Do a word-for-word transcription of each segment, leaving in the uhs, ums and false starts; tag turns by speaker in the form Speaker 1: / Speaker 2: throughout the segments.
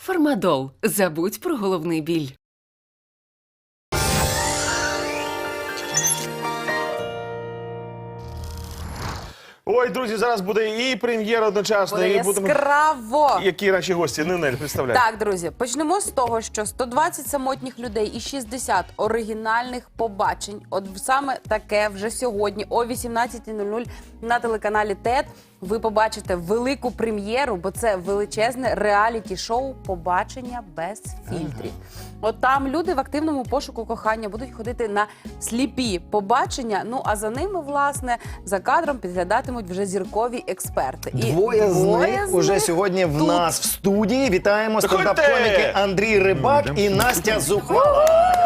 Speaker 1: Фармадол. Забудь про головний біль.
Speaker 2: Ой, друзі, зараз буде і прем'єра одночасно,
Speaker 3: Буде
Speaker 2: і будемо...
Speaker 3: яскраво.
Speaker 2: Які наші гості? Нинель, представляй.
Speaker 3: Так, друзі, почнемо з того, що сто двадцять самотніх людей і шістдесят оригінальних побачень. От саме таке вже сьогодні о вісімнадцятій нуль нуль на телеканалі ТЕТ ви побачите велику прем'єру, бо це величезне реаліті-шоу «Побачення без фільтрів». От там люди в активному пошуку кохання будуть ходити на сліпі побачення, ну а за ними, власне, за кадром підглядатимуть вже зіркові експерти. І
Speaker 4: Двоє з них
Speaker 3: з
Speaker 4: уже
Speaker 3: них
Speaker 4: сьогодні в
Speaker 3: тут.
Speaker 4: нас в студії. Вітаємо
Speaker 2: Заходьте!
Speaker 4: стендап-коміки Андрій Рибак і Настя Зухвала.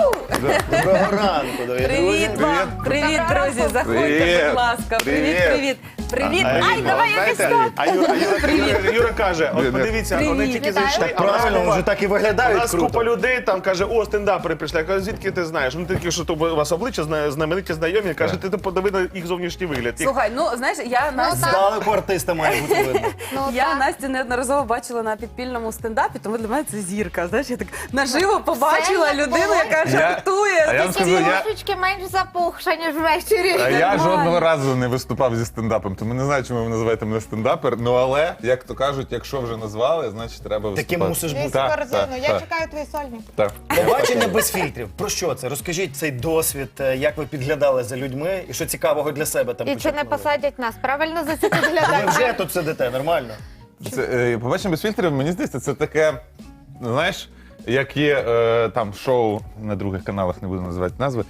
Speaker 4: Доброго ранку, дорогі
Speaker 3: Привіт
Speaker 4: друзі.
Speaker 3: вам! Привіт, друзі! Заходьте,
Speaker 2: Привіт.
Speaker 3: будь ласка. Привіт,
Speaker 2: Привіт.
Speaker 3: привіт. Привіт.
Speaker 2: А,
Speaker 3: Ай,
Speaker 2: Юра,
Speaker 3: давай якось так.
Speaker 2: А Юра, Юра, Юра, Юра каже, от подивіться,
Speaker 3: Привіт.
Speaker 2: вони тільки
Speaker 3: Вітаю.
Speaker 2: зайшли,
Speaker 4: Так
Speaker 2: а в нас
Speaker 4: правильно,
Speaker 2: купа-
Speaker 4: вже так і
Speaker 2: у
Speaker 4: виглядають
Speaker 2: нас
Speaker 4: круто.
Speaker 2: купа людей там каже, о, стендапери прийшли. Я кажу, звідки ти знаєш? Ну тільки що то у вас обличчя зна- знамениті знайомі. Каже, ти подиви на їх зовнішній вигляд. Їх-
Speaker 3: Слухай, ну знаєш, я Настю,
Speaker 4: Здалеку артиста має бути видно.
Speaker 3: я Настю неодноразово бачила на підпільному стендапі, тому для мене це зірка. Знаєш, я так наживо побачила
Speaker 5: Це
Speaker 3: людину,
Speaker 5: було.
Speaker 3: яка
Speaker 6: Я-
Speaker 3: жартує.
Speaker 6: а я вам
Speaker 5: Тільки
Speaker 6: скажу, я-
Speaker 5: трошечки менш запухша, ніж ввечері.
Speaker 6: А я
Speaker 3: Нормально.
Speaker 6: жодного разу не виступав зі стендапом, тому не знаю, чому ви називаєте мене стендапер. Ну але, як то кажуть, якщо вже назвали, значить треба виступати.
Speaker 4: Таким мусиш бути.
Speaker 5: Вісім
Speaker 6: Так,
Speaker 5: корзину.
Speaker 6: так,
Speaker 5: Я
Speaker 6: так.
Speaker 5: чекаю твої сольні.
Speaker 6: Так.
Speaker 4: Побачення без фільтрів. Про що це? Розкажіть цей досвід, е, як ви підглядали за людьми і що цікавого для себе там
Speaker 5: І чи не
Speaker 4: почерпнули?
Speaker 5: посадять нас? Правильно за це
Speaker 4: Ви
Speaker 5: підглядають?
Speaker 4: вже тут сидите, нормально?
Speaker 6: Це, е, побачення без фільтрів, мені здається, це таке, ну, знаєш, як є е, там шоу на других каналах, не буду називати назви,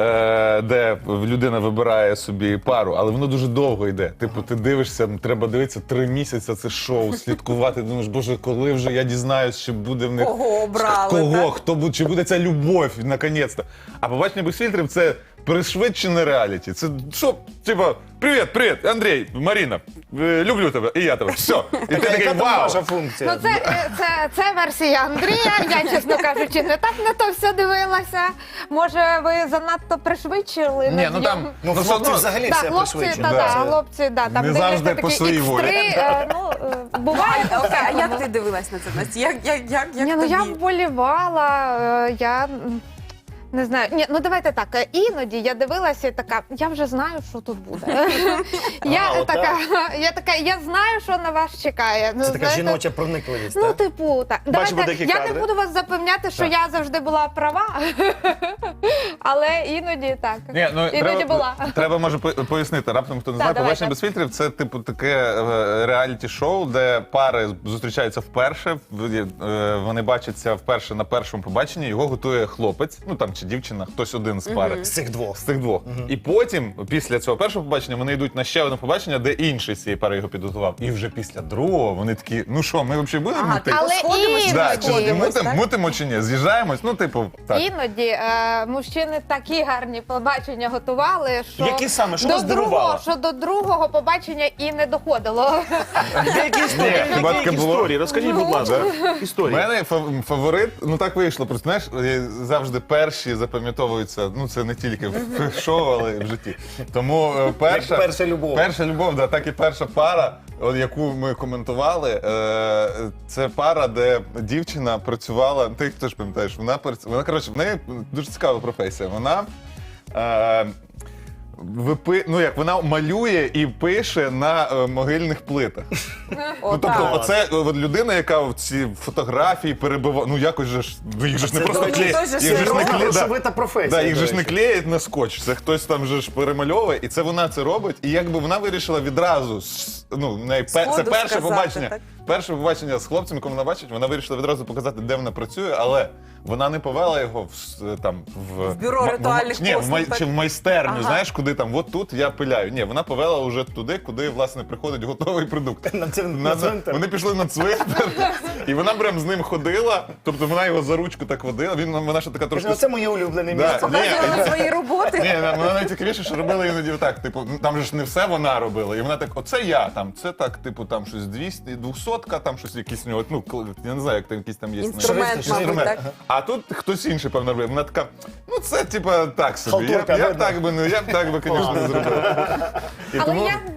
Speaker 6: е, де людина вибирає собі пару, але воно дуже довго йде. Типу, ти дивишся, треба дивитися три місяці це шоу, слідкувати. Думаєш, боже, коли вже я дізнаюсь, чи буде в них
Speaker 3: Кого обрали,
Speaker 6: кого,
Speaker 3: так?
Speaker 6: хто буде, чи буде ця любов, наконець-то. А побачення без фільтрів це пришвидшене реаліті. Це що, типа, привіт, привіт, Андрій, Маріна, е, люблю тебе, і я тебе. Все. І ти такий,
Speaker 4: Яка там
Speaker 6: вау.
Speaker 4: ваша функція?
Speaker 5: Ну це, е, це, це версія Андрія. Я, чесно кажучи, не так на то все дивилася. Може, ви занадто пришвидшили?
Speaker 6: Ні, ну там,
Speaker 4: Ну,
Speaker 6: ну, все
Speaker 4: хлопці
Speaker 6: одно-
Speaker 4: взагалі
Speaker 5: Так,
Speaker 4: все
Speaker 5: хлопці,
Speaker 4: пришвидшено.
Speaker 5: та,
Speaker 6: Да.
Speaker 5: да, хлопці, да, там
Speaker 6: Не
Speaker 5: дивляться
Speaker 6: завжди по
Speaker 5: такі
Speaker 6: своїй
Speaker 5: ікс три,
Speaker 6: волі.
Speaker 5: е, ну, е, буває
Speaker 3: Окей,
Speaker 5: таке.
Speaker 3: а як ти дивилась на це, Настя? Як, як, як, як
Speaker 5: Ні, ну я
Speaker 3: тобі?
Speaker 5: вболівала, е, я м, не знаю. Ні, ну давайте так. е, Іноді я дивилася і така, я вже знаю, що тут буде. Я
Speaker 4: А,
Speaker 5: така, я така, я знаю, що на вас чекає. Ну,
Speaker 4: Це така
Speaker 5: знаєте,
Speaker 4: жіноча проникливість,
Speaker 5: Ну,
Speaker 4: так?
Speaker 5: типу, так.
Speaker 2: Бачимо
Speaker 5: Давайте,
Speaker 2: деякі
Speaker 5: я
Speaker 2: кадри.
Speaker 5: не буду вас запевняти, що
Speaker 6: Так.
Speaker 5: я завжди була права, але іноді так.
Speaker 6: Ні, ну,
Speaker 5: Іноді
Speaker 6: треба,
Speaker 5: була.
Speaker 6: треба, може, по- пояснити. Раптом, хто не
Speaker 5: Так,
Speaker 6: знає,
Speaker 5: давайте.
Speaker 6: побачення без фільтрів це типу таке е, реаліті-шоу, де пари зустрічаються вперше, в- е, вони бачаться вперше на першому побаченні, його готує хлопець, ну там чи дівчина, хтось один з пари.
Speaker 4: З цих двох.
Speaker 6: З цих двох. І потім, після цього першого побачення, вони йдуть на ще одне побачення, де інший з цієї пари його підготував. І вже після другого вони такі, ну що, ми взагалі будемо
Speaker 3: Ага,
Speaker 6: мутити?
Speaker 5: Але
Speaker 3: Сходимось,
Speaker 5: іноді,
Speaker 6: Да, чи
Speaker 3: сходимось,
Speaker 6: мутим,
Speaker 3: так?
Speaker 6: мутимо чи ні? З'їжджаємось? Ну, типу, так.
Speaker 5: Іноді е, мужчини такі гарні побачення готували, що
Speaker 2: Які саме? Що
Speaker 5: до
Speaker 2: вас здивувало?
Speaker 5: другого, що до другого побачення і не доходило.
Speaker 2: Деякі історії,
Speaker 6: Ні, хіба
Speaker 2: деякі
Speaker 6: таке було?
Speaker 2: історії. Розкажіть, будь ласка,
Speaker 6: У
Speaker 2: історії.
Speaker 6: мене фав- фаворит, ну так вийшло. Просто знаєш, е, завжди перші запам'ятовуються. Ну це не тільки в в шоу, але й в житті. Тому е, перша,
Speaker 4: Як перша любов.
Speaker 6: перша любов, да, так і перша пара, от, яку ми коментували. Е, це пара, де дівчина працювала. Ти теж пам'ятаєш, вона прац- вона коротше, в неї дуже цікава професія. Вона. Е, Випи... Ну як вона малює і пише на е, могильних плитах. Ну, тобто,
Speaker 3: Отак.
Speaker 6: оце от людина, яка в ці фотографії перебиває. Ну якось же ж, ну їх же ж не
Speaker 4: Це,
Speaker 6: просто
Speaker 4: до речі,
Speaker 6: клеють.
Speaker 3: теж
Speaker 6: Їх же ж не клеють. Да.
Speaker 4: Грошовита професія,
Speaker 6: Да, їх
Speaker 4: до
Speaker 6: же ж не
Speaker 4: речі.
Speaker 6: клеять на скотч. Це хтось там же ж перемальовує, і це вона це робить. І якби вона вирішила відразу, с- ну, в неї пе- це
Speaker 3: Сходу
Speaker 6: перше
Speaker 3: сказати,
Speaker 6: побачення.
Speaker 3: так?
Speaker 6: Перше побачення з хлопцем, якого вона бачить, вона вирішила відразу показати, де вона працює, але вона не повела його в с- там в,
Speaker 3: В бюро
Speaker 6: м-
Speaker 3: ритуальних
Speaker 6: ні, в
Speaker 3: послуг,
Speaker 6: май-
Speaker 3: так?
Speaker 6: чи в майстерню,
Speaker 3: Ага.
Speaker 6: знаєш, куди там, от тут я пиляю. Ні, вона повела вже туди, куди власне приходить готовий продукт.
Speaker 4: На цин- на цвинтар.
Speaker 6: Вони пішли на цвинтар, і вона прям з ним ходила. Тобто вона його за ручку так водила. Він вона ще така трошки.
Speaker 4: Каже, Це моє улюблене
Speaker 6: Да.
Speaker 4: місце.
Speaker 6: Ні,
Speaker 3: Показували свої роботи.
Speaker 6: ні, вона найцікавіше, що робила іноді так. Типу, ну, там же ж не все вона робила. І вона так, оце я там, це так, типу, там щось двісті, двохсотка, там щось якісь у нього, ну, кл- я не знаю, як там якісь там є.
Speaker 3: Інструмент,
Speaker 6: Інструмент.
Speaker 3: мабуть, так.
Speaker 6: А тут хтось інший, певно, робив. Вона така, ну це, типа, так собі. Я, б-
Speaker 4: Халтурка,
Speaker 6: я, б
Speaker 4: видно.
Speaker 6: так би, ну, я б так би, звісно, не зробив. І
Speaker 5: Але
Speaker 6: тому-
Speaker 5: я добре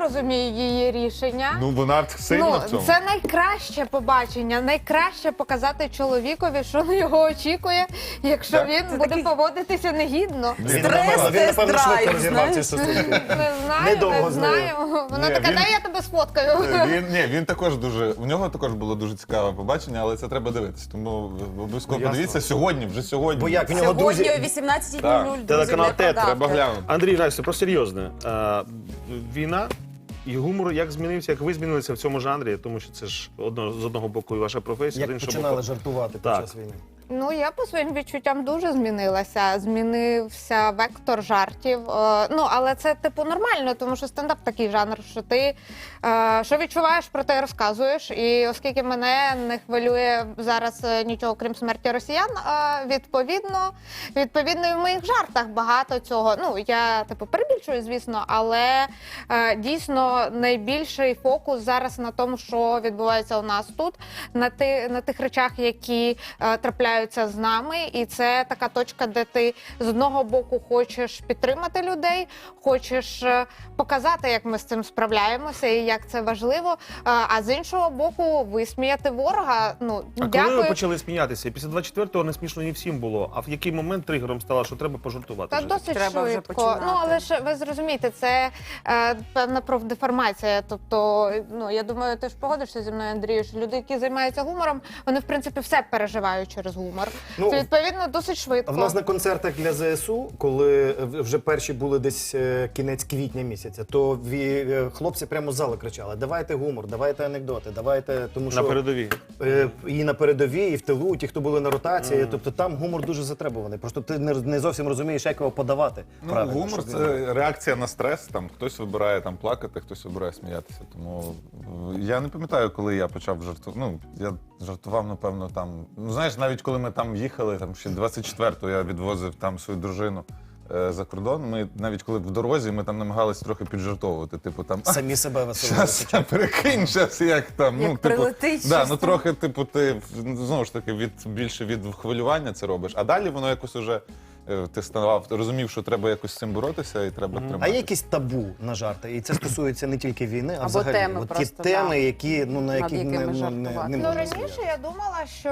Speaker 5: розумію її рішення.
Speaker 6: Ну, вона сильна
Speaker 5: Ну,
Speaker 6: в цьому.
Speaker 5: це найкраще побачення, найкраще показати чоловікові, що на його очікує, якщо
Speaker 6: Так.
Speaker 5: він буде поводитися негідно.
Speaker 4: Він,
Speaker 3: Стрес,
Speaker 4: напевно, він, напевно,
Speaker 3: тест-драйв,
Speaker 4: швидко розірвав ці
Speaker 3: знаєш?
Speaker 4: стосунки.
Speaker 5: Не знаю,
Speaker 4: Недовго
Speaker 5: не
Speaker 4: з нею.
Speaker 5: знаю. Вона
Speaker 6: Ні,
Speaker 5: така,
Speaker 6: він-
Speaker 5: дай я тебе сфоткаю.
Speaker 6: Він, ні, він також дуже, у нього також було дуже цікаве побачення, але це треба дивитися. Тому обов'язково
Speaker 2: Ну, ясно.
Speaker 6: подивіться сьогодні, вже сьогодні.
Speaker 4: Бо як в нього
Speaker 3: Сьогодні
Speaker 4: друзі...
Speaker 3: о вісімнадцятій нуль нуль. друзі,
Speaker 2: Телеканал
Speaker 3: не
Speaker 2: «Тет»,
Speaker 3: прогавте.
Speaker 6: Треба глянути.
Speaker 2: Андрій, Настя, про серйозне. А, війна і гумор як змінився, як ви змінилися в цьому жанрі, тому що це ж одно, з одного боку і ваша професія, з
Speaker 4: Як
Speaker 2: іншого
Speaker 4: починали
Speaker 2: боку.
Speaker 4: жартувати під
Speaker 2: Так.
Speaker 4: час війни.
Speaker 5: Ну, я по своїм відчуттям дуже змінилася. Змінився вектор жартів. Е, Ну, але це типу нормально, тому що стендап такий жанр, що ти е, що відчуваєш, про те й розказуєш. І оскільки мене не хвилює зараз е, нічого, крім смерті росіян, е, відповідно, відповідно, і в моїх жартах багато цього. Ну, я типу перебільшую, звісно, але е, дійсно найбільший фокус зараз на тому, що відбувається у нас тут, на, ти, на тих речах, які е, трапляються з нами, і це така точка, де ти з одного боку хочеш підтримати людей, хочеш е, показати, як ми з цим справляємося і як це важливо. е, А з іншого боку, висміяти ворога. Ну
Speaker 2: А коли
Speaker 5: дякую.
Speaker 2: ви почали сміятися? Після двадцять четвертого не смішно не всім було. А в який момент тригером стало, що треба пожартувати?
Speaker 5: Та
Speaker 2: вже?
Speaker 5: досить
Speaker 3: Треба вже
Speaker 5: швидко.
Speaker 3: починати.
Speaker 5: Ну але ж ви зрозумієте, це е, певна профдеформація. Тобто, ну я думаю, ти ж погодишся зі мною, Андрію, що люди, які займаються гумором, вони в принципі все переживають через гумор.
Speaker 4: Ну,
Speaker 5: Це відповідно досить швидко.
Speaker 4: В нас на концертах для ЗСУ, коли вже перші були десь е, кінець квітня місяця, то ві- е, хлопці прямо з залу кричали: давайте гумор, давайте анекдоти, давайте, тому що
Speaker 2: На передовій.
Speaker 4: е, і на передовій, і в тилу, ті, хто були на ротації, тобто там гумор дуже затребуваний. Просто ти не, не зовсім розумієш, як його подавати.
Speaker 6: Ну,
Speaker 4: правильно,
Speaker 6: гумор
Speaker 4: щоб
Speaker 6: це реакція на стрес. Там хтось вибирає там плакати, хтось вибирає сміятися. Тому е, я не пам'ятаю, коли я почав жартувати. Ну я жартував, напевно, там. Ну знаєш, навіть коли ми там їхали, там ще двадцять четвертого я відвозив там свою дружину е, за кордон. Ми навіть коли в дорозі, ми там намагалися трохи піджартовувати. Типу там «А,
Speaker 4: самі себе веселили.
Speaker 6: щас, перекинь, щас, як там.
Speaker 3: Як
Speaker 6: ну, типу,
Speaker 3: прилетить
Speaker 6: да,
Speaker 3: щось
Speaker 6: ну
Speaker 3: там.
Speaker 6: трохи, типу, ти знову ж таки від більше від хвилювання це робиш. А далі воно якось уже е, ти ставав, ти розумів, що треба якось з цим боротися і треба
Speaker 4: А
Speaker 6: триматися.
Speaker 4: є якісь табу на жарти? І це стосується не тільки війни, а
Speaker 3: Або
Speaker 4: взагалі.
Speaker 3: теми
Speaker 4: От ті
Speaker 3: просто,
Speaker 4: теми,
Speaker 3: да.
Speaker 4: які, ну, на
Speaker 3: Над
Speaker 4: які не,
Speaker 3: якими
Speaker 4: ну, не,
Speaker 3: жартувати.
Speaker 4: не
Speaker 5: Ну,
Speaker 4: можна
Speaker 5: раніше
Speaker 4: сміятися.
Speaker 5: я думала, що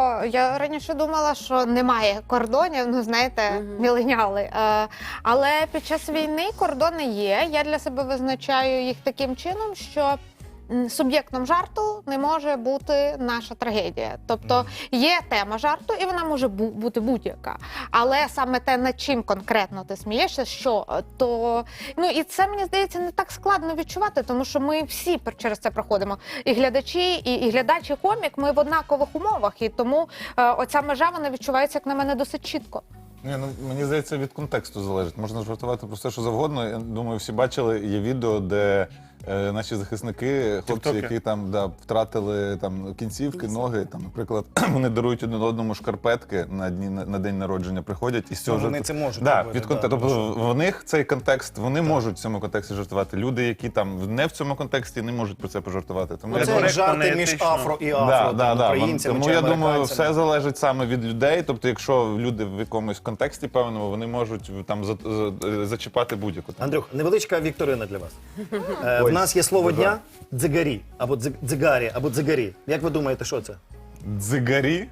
Speaker 5: я раніше думала, що немає кордонів. Ну знаєте, міленіали. Е, але під час війни кордони є. Я для себе визначаю їх таким чином, що м, суб'єктом жарту не може бути наша трагедія. Тобто є тема жарту, і вона може бу- бути будь-яка. Але саме те, над чим конкретно ти смієшся, що е, то ну і це мені здається не так складно відчувати, тому що ми всі пер- через це проходимо. І глядачі, і, і глядач, і комік. Ми в однакових умовах, і тому е, оця межа вона відчувається, як на мене, досить чітко.
Speaker 6: Ні, ну мені здається, від контексту залежить. Можна жартувати про все, що завгодно. Я думаю, всі бачили є відео, де е, наші захисники, хлопці,
Speaker 2: Тіктоки.
Speaker 6: які там да, втратили там кінцівки, ноги. Там, наприклад, вони дарують один одному шкарпетки на дні на, на день народження, приходять і з цього
Speaker 4: Ну, вони
Speaker 6: жарту-
Speaker 4: це можуть
Speaker 6: Да,
Speaker 4: робити,
Speaker 6: від конте-
Speaker 4: да,
Speaker 6: Тобто
Speaker 4: тому
Speaker 6: в них цей контекст, вони можуть в цьому контексті жартувати. Люди, які там не в цьому контексті, не можуть про це пожартувати. Тому
Speaker 4: Ну,
Speaker 6: я
Speaker 4: це
Speaker 6: думаю,
Speaker 4: як
Speaker 2: коректно,
Speaker 4: жарти між
Speaker 2: неетично.
Speaker 4: афро і афро,
Speaker 6: Да,
Speaker 4: там,
Speaker 6: да, да.
Speaker 4: українцями
Speaker 6: Тому
Speaker 4: чи
Speaker 6: я думаю,
Speaker 4: американцями.
Speaker 6: все залежить саме від людей. Тобто, якщо люди в якомусь контексті певному, вони можуть там за- за- зачіпати будь-яку тему.
Speaker 4: Андрюх, невеличка вікторина для вас. Е, в
Speaker 6: Ой,
Speaker 4: нас є слово
Speaker 6: дуже.
Speaker 4: дня дзигарі, або дзиг- дзигарі, або дзигарі. Як ви думаєте, що це?
Speaker 6: Дзигарі?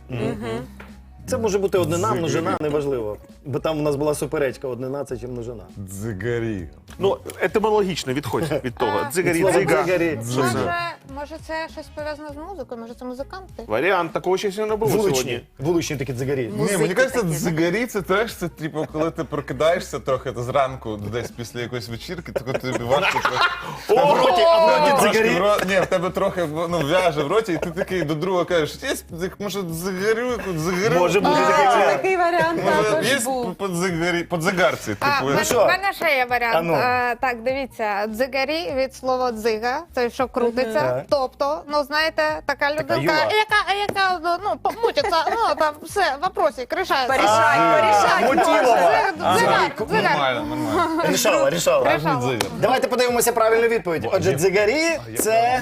Speaker 4: Це може бути однина,
Speaker 6: Дзигарі.
Speaker 4: множина, неважливо. Бо там у нас була суперечка, однина це чи множина.
Speaker 6: Дзигарі.
Speaker 2: Ну, етимологічно відходь від того.
Speaker 5: А.
Speaker 2: Дзигарі,
Speaker 4: Слово
Speaker 2: дзига.
Speaker 4: дзигарі.
Speaker 2: Що це?
Speaker 5: Може, може, це щось пов'язане з музикою? Може, це музиканти?
Speaker 2: Варіант, такого ще сьогодні не було
Speaker 4: Вуличні.
Speaker 2: сьогодні.
Speaker 4: Вуличні такі дзигарі.
Speaker 6: Ні,
Speaker 3: Музики
Speaker 6: мені кажеться,
Speaker 3: такі, да?
Speaker 6: дзигарі це теж це, типу, коли ти прокидаєшся трохи то зранку, десь після якоїсь вечірки, то тобі важко трохи.
Speaker 4: А в роті, а в роті
Speaker 6: Трошки
Speaker 4: дзигарі.
Speaker 6: в ро- Ні, в тебе трохи ну, в'яже в роті, і ти такий до друга кажеш, є, може, дзигарю, дзигарю?
Speaker 4: Може бути такий
Speaker 3: А,
Speaker 4: варіант.
Speaker 3: такий варіант
Speaker 6: Може,
Speaker 3: також
Speaker 6: є
Speaker 3: був.
Speaker 6: по дзигарі, по дзигарці,
Speaker 5: А,
Speaker 6: типу.
Speaker 5: в мене,
Speaker 4: що?
Speaker 5: в мене ще є варіант.
Speaker 4: А ну.
Speaker 5: Е, так, дивіться, дзигарі від слова дзига, це що крутиться.
Speaker 4: Так.
Speaker 5: Тобто, ну знаєте, така людинка,
Speaker 4: юла.
Speaker 5: яка, яка ну, помутиться, ну там все, вопросик, рішається.
Speaker 3: Порішай, порішай.
Speaker 4: Мутілова.
Speaker 5: Дзигар, дзигар, дзигар.
Speaker 6: Нормально, нормально.
Speaker 4: Рішала, рішала.
Speaker 6: Справжній дзигар.
Speaker 4: Давайте подивимося правильну відповідь. Отже, дзигарі це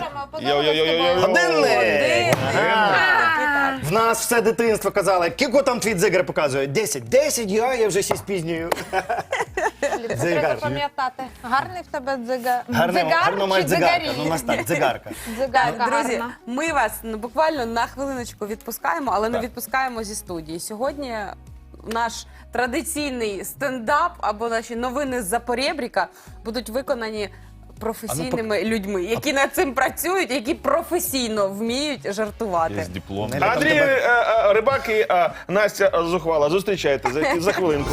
Speaker 4: годинник. Ага. В нас все дитинство казали, кіко там твій дзигар показує? Десять. Десять, я, я вже сі спізнюю.
Speaker 5: Треба
Speaker 4: Дзигар.
Speaker 5: пам'ятати. Гарний в тебе дзига...
Speaker 4: Гарно,
Speaker 5: дзигар
Speaker 4: гарно має
Speaker 5: чи
Speaker 4: дзигарка.
Speaker 5: дзигарі?
Speaker 4: Ну, у нас так, дзигарка.
Speaker 5: Дзигарка
Speaker 3: Друзі,
Speaker 5: гарна.
Speaker 3: ми вас ну, буквально на хвилиночку відпускаємо, але не
Speaker 6: Так.
Speaker 3: відпускаємо зі студії. Сьогодні наш традиційний стендап або наші новини з-за поребріка будуть виконані професійними людьми, які над цим працюють, які професійно вміють жартувати.
Speaker 6: Є диплом.
Speaker 4: Неля, там
Speaker 2: Андрій
Speaker 4: тебе-
Speaker 2: е, е, Рибак і е, Настя Зухвала. Зустрічайте за, за хвилинку.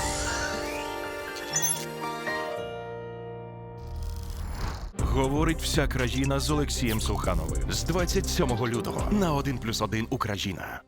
Speaker 7: Говорить вся країна з Олексієм Сухановим з двадцять сьомого лютого на один плюс один Україна.